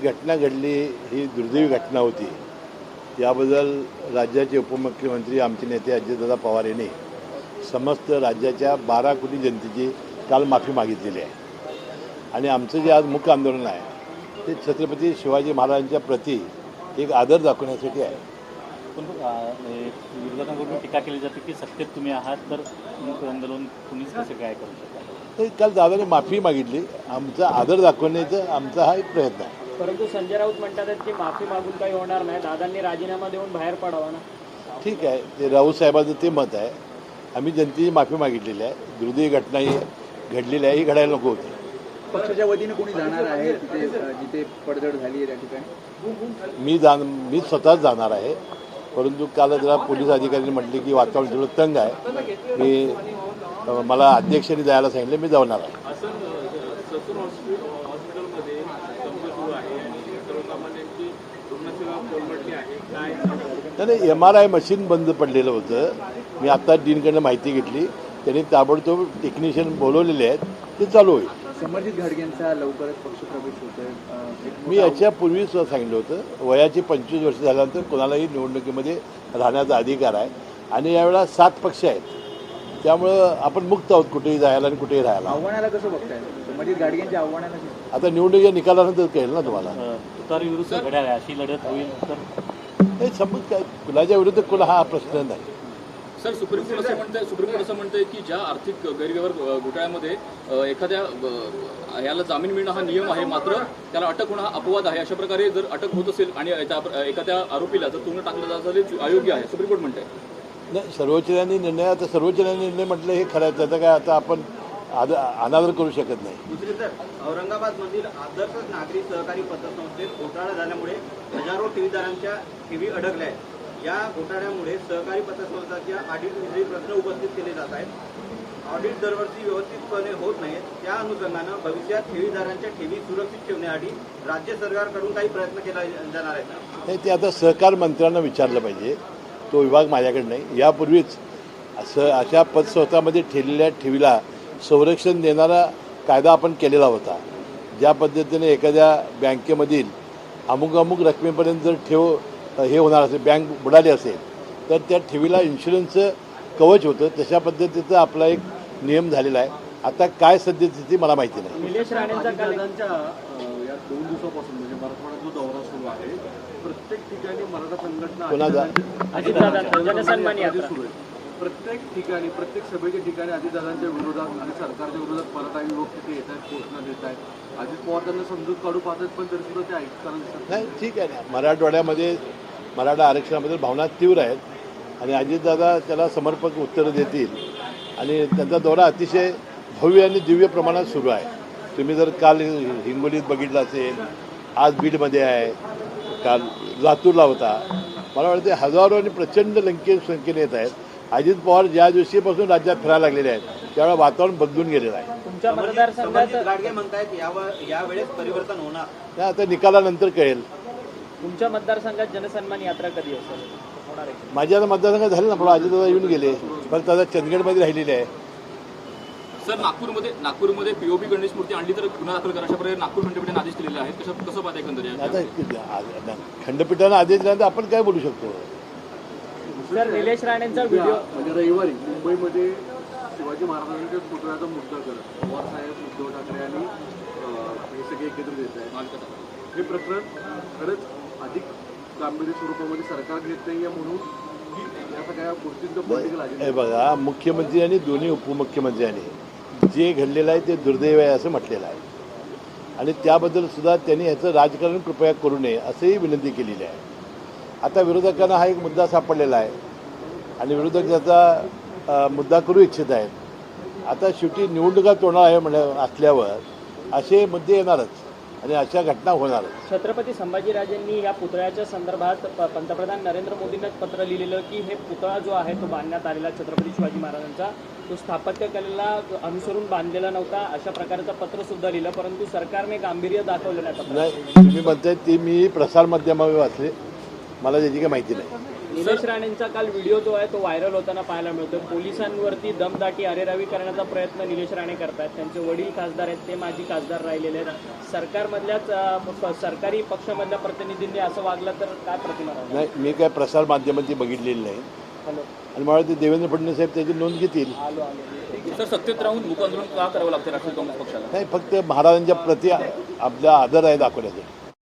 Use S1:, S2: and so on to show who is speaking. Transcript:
S1: घटना घडली ही दुर्दैवी घटना होती. याबद्दल राज्याचे उपमुख्यमंत्री आमचे नेते अजितदादा पवार यांनी समस्त राज्याच्या 12 कोटी जनतेची काल माफी मागितलेली आहे. आणि आमचं जे आज मुख्य आंदोलन आहे ते छत्रपती शिवाजी महाराजांच्या प्रती एक आदर दाखवण्यासाठी आहे.
S2: पण विरोधकांकडून टीका केली जाते की सत्तेत तुम्ही आहात तर मुख्य आंदोलन तुम्हीच कसं काय करू शकता.
S1: तर काल दादाने माफी मागितली. आमचा आदर दाखवण्याचा आमचा हा एक प्रयत्न आहे.
S3: परंतु संजय राऊत म्हणतात की माफी मागून काही होणार नाही, दादांनी राजीनामा देऊन बाहेर पडावा ना.
S1: ठीक आहे, ते राऊत साहेबांचं ते मत आहे. आम्ही जनतेची माफी मागितलेली आहे. दुर्दैवी घटना ही घडलेली आहे, ही घडायला नको होती.
S4: पक्षाच्या वतीने कोणी जाणार आहे तिथे जिथे पडझड झाली आहे त्या ठिकाणी?
S1: मी स्वतःच जाणार आहे. परंतु काल जरा पोलीस अधिकाऱ्यांनी म्हटले की वातावरण थोडं तंग आहे, मला अध्यक्षांनी जायला सांगितलं, मी जाणार आहे. नाही, MRI मशीन बंद पडलेलं होतं. मी आत्ता डीनकडनं माहिती घेतली. त्यांनी ताबडतोब टेक्निशियन बोलवलेले आहेत, ते चालू होईल.
S4: समर्जित घाटगेंचा लवकरच पक्षप्रवेश होतोय.
S1: मी याच्यापूर्वीच सांगितलं होतं, वयाची 25 वर्ष झाल्यानंतर कोणालाही निवडणुकीमध्ये राहण्याचा अधिकार आहे. आणि यावेळेला 7 पक्ष आहेत, त्यामुळं आपण मुक्त आहोत कुठेही जायला आणि कुठेही राहायला.
S4: आव्हानाला कसं बघताय समर्जित घाटगेंच्या आव्हानाला?
S1: आता निवडणुकीच्या निकालानंतर कळेल ना तुम्हाला.
S2: तुतारी विरुद्ध घड्याळ अशी लढत होईल तर
S1: हे समज काय कुणाच्या विरुद्ध कुणा हा प्रश्न नाही.
S5: सर, सुप्रीम कोर्ट असं म्हणतंय की ज्या आर्थिक गैरव्यवहार घोटाळ्यामध्ये एखाद्या याला जामीन मिळणं हा नियम आहे, मात्र त्याला अटक होणं हा अपवाद आहे. अशा प्रकारे जर अटक होत असेल आणि एखाद्या आरोपीला जर तुरुंगात टाकलं जात असेल अयोग्य आहे, सुप्रीम कोर्ट म्हणतंय.
S1: नाही, सर्वोच्च न्यायालयाने निर्णय, आता सर्वोच्च न्यायालयाने निर्णय म्हटलं हे खरं आहे, त्याचा काय आता आपण अनादर करू शकत नाही.
S6: दुसरी तर औरंगाबादमधील आदर्श नागरी सहकारी पतसंस्थेत घोटाळा झाल्यामुळे हजारो ठेवीदारांच्या ठेवी अडकल्या आहेत. या घोटाळ्यामुळे सहकारी पतसंस्थांच्या ऑडिटविषयी प्रश्न उपस्थित केले जात आहेत. ऑडिट दरवर्षी व्यवस्थितपणे होत नाहीत. त्या अनुषंगानं भविष्यात ठेवीदारांच्या ठेवी सुरक्षित ठेवण्यासाठी राज्य सरकारकडून काही प्रयत्न केला जाणार आहेत.
S1: नाही, ते आता सहकार मंत्र्यांना विचारलं पाहिजे. तो विभाग माझ्याकडे नाही. यापूर्वीच अशा पतसंस्थांमध्ये ठेवलेल्या ठेवीला संरक्षण देणारा कायदा आपण केलेला होता. ज्या पद्धतीने एखाद्या बँकेमधील अमुक रकमेपर्यंत जर ठेव हे होणार असेल, बँक बुडाली असेल, तर त्या ठेवीला इन्शुरन्सचं कवच होतं. तशा पद्धतीचा आपला एक नियम झालेला आहे. आता काय सद्यस्थिती मला माहिती नाही.
S3: निलेश राणेंचा
S7: दादांच्या या 2 दिवसापासून म्हणजे मराठवाड्यात जो दौरा सुरू आहे, प्रत्येक ठिकाणी मराठा संघटना
S3: अजितदादांचा जनसन्मान यात्रा
S7: सुरू आहे. प्रत्येक ठिकाणी प्रत्येक सभेच्या ठिकाणी अजितदादांच्या विरोधात आणि सरकारच्या विरोधात मराठा युवक तिथे येत आहेत, घोषणा देत आहेत. अजित पवार त्यांना समजूत काढू पाहतात, पण तरी सुद्धा ते ऐकताना दिसत
S1: नाही. ठीक आहे ना, मराठवाड्यामध्ये मराठा आरक्षणाबद्दल भावना तीव्र आहेत आणि अजितदादा त्याला समर्पक उत्तरं देतील. आणि त्यांचा दौरा अतिशय भव्य आणि दिव्य प्रमाणात सुरू आहे. तुम्ही जर काल हिंगोलीत बघितलं असेल, आज बीडमध्ये आहे, काल लातूरला होता. मला वाटते हजारो आणि प्रचंड संख्येने येत आहेत. अजित पवार ज्या दिवशीपासून राज्यात फिरायला लागलेले आहेत त्यावेळेला वातावरण बदलून गेलेलं आहे.
S3: तुमच्या मतदारसंघात
S6: गाडगे म्हणतायत यावेळेस परिवर्तन होणार.
S1: त्या आता निकालानंतर कळेल.
S3: तुमच्या मतदारसंघात जनसन्मान यात्रा कधी असेल होणार आहे?
S1: माझ्या आता मतदारसंघात झालं ना, पण अजितदादा येऊन गेले, फक्त आता चंदगडमध्ये राहिलेले आहे.
S5: सर, नागपूरमध्ये पीओपी गणेश मूर्ती आणली तर गुन्हा दाखल करा, अशा प्रकारे नागपूर खंडपीठाने आदेश दिलेले आहेत. कसं पाहता एकंदरीत?
S1: आता खंडपीठानं आदेश दिल्यानंतर आपण काय बोलू शकतो?
S3: सर, निलेश राणेंचा व्हिडिओ
S7: म्हणजे रविवारी मुंबईमध्ये शिवाजी महाराजांच्या पुतळ्याचा मुद्दा करत पवार साहेब, उद्धव ठाकरे आणि हे सगळे एकत्रित येत आहेत. हे प्रकरण खरंच अधिक गांभीर्य स्वरूपामध्ये सरकार घेत नाही आहे म्हणून की या सगळ्या गोष्टींचं पॉलिटिकल
S1: हे बघा, मुख्यमंत्री आणि दोन्ही उपमुख्यमंत्र्यांनी जे घडलेलं आहे ते दुर्दैव आहे असं म्हटलेलं आहे. आणि त्याबद्दल सुद्धा त्यांनी ह्याचं राजकारण कृपया करू नये असंही विनंती केलेली आहे. आता विरोधकांना हा एक मुद्दा सापडलेला आहे आणि विरोधक त्याचा मुद्दा करू इच्छित आहेत. आता शेवटी निवडणुका तोडणार आहे असल्यावर असे मुद्दे येणारच आणि अशा घटना होणारच.
S3: छत्रपती संभाजीराजेंनी या पुतळ्याच्या संदर्भात पंतप्रधान नरेंद्र मोदींनाच पत्र लिहिलेलं की हे पुतळा जो आहे तो बांधण्यात आलेला छत्रपती शिवाजी महाराजांचा, तो स्थापत्यकलेला अनुसरून बांधलेला नव्हता, अशा प्रकारचं पत्र सुद्धा लिहिलं. परंतु सरकारने गांभीर्य दाखवलं नाही.
S1: नाही, तुम्ही म्हणताय ती मी प्रसारमाध्यमावर वाचले, मला त्याची काही माहिती नाही.
S3: निलेश राणेंचा काल व्हिडिओ जो आहे तो व्हायरल होताना पाहायला मिळतो. पोलिसांवरती दमदाटी अरेरावी करण्याचा प्रयत्न निलेश राणे करतात. त्यांचे वडील खासदार आहेत, ते माजी खासदार राहिलेले आहेत. सरकारमधल्याच सरकारी पक्षामधल्या प्रतिनिधींनी असं वागलं तर काय प्रतिमा राहणार?
S1: नाही, मी काय प्रसार माध्यमांची बघितलेली नाही
S3: हॅलो
S1: आणि मला ते देवेंद्र फडणवीस साहेब त्याची नोंद घेतील.
S5: सर, सत्तेत राहून मूक आंदोलन का करावं लागतं राष्ट्रवादी काँग्रेस पक्षाला?
S1: नाही, फक्त महाराजांच्या प्रती आपला आदर आहे दाखवण्यासाठी.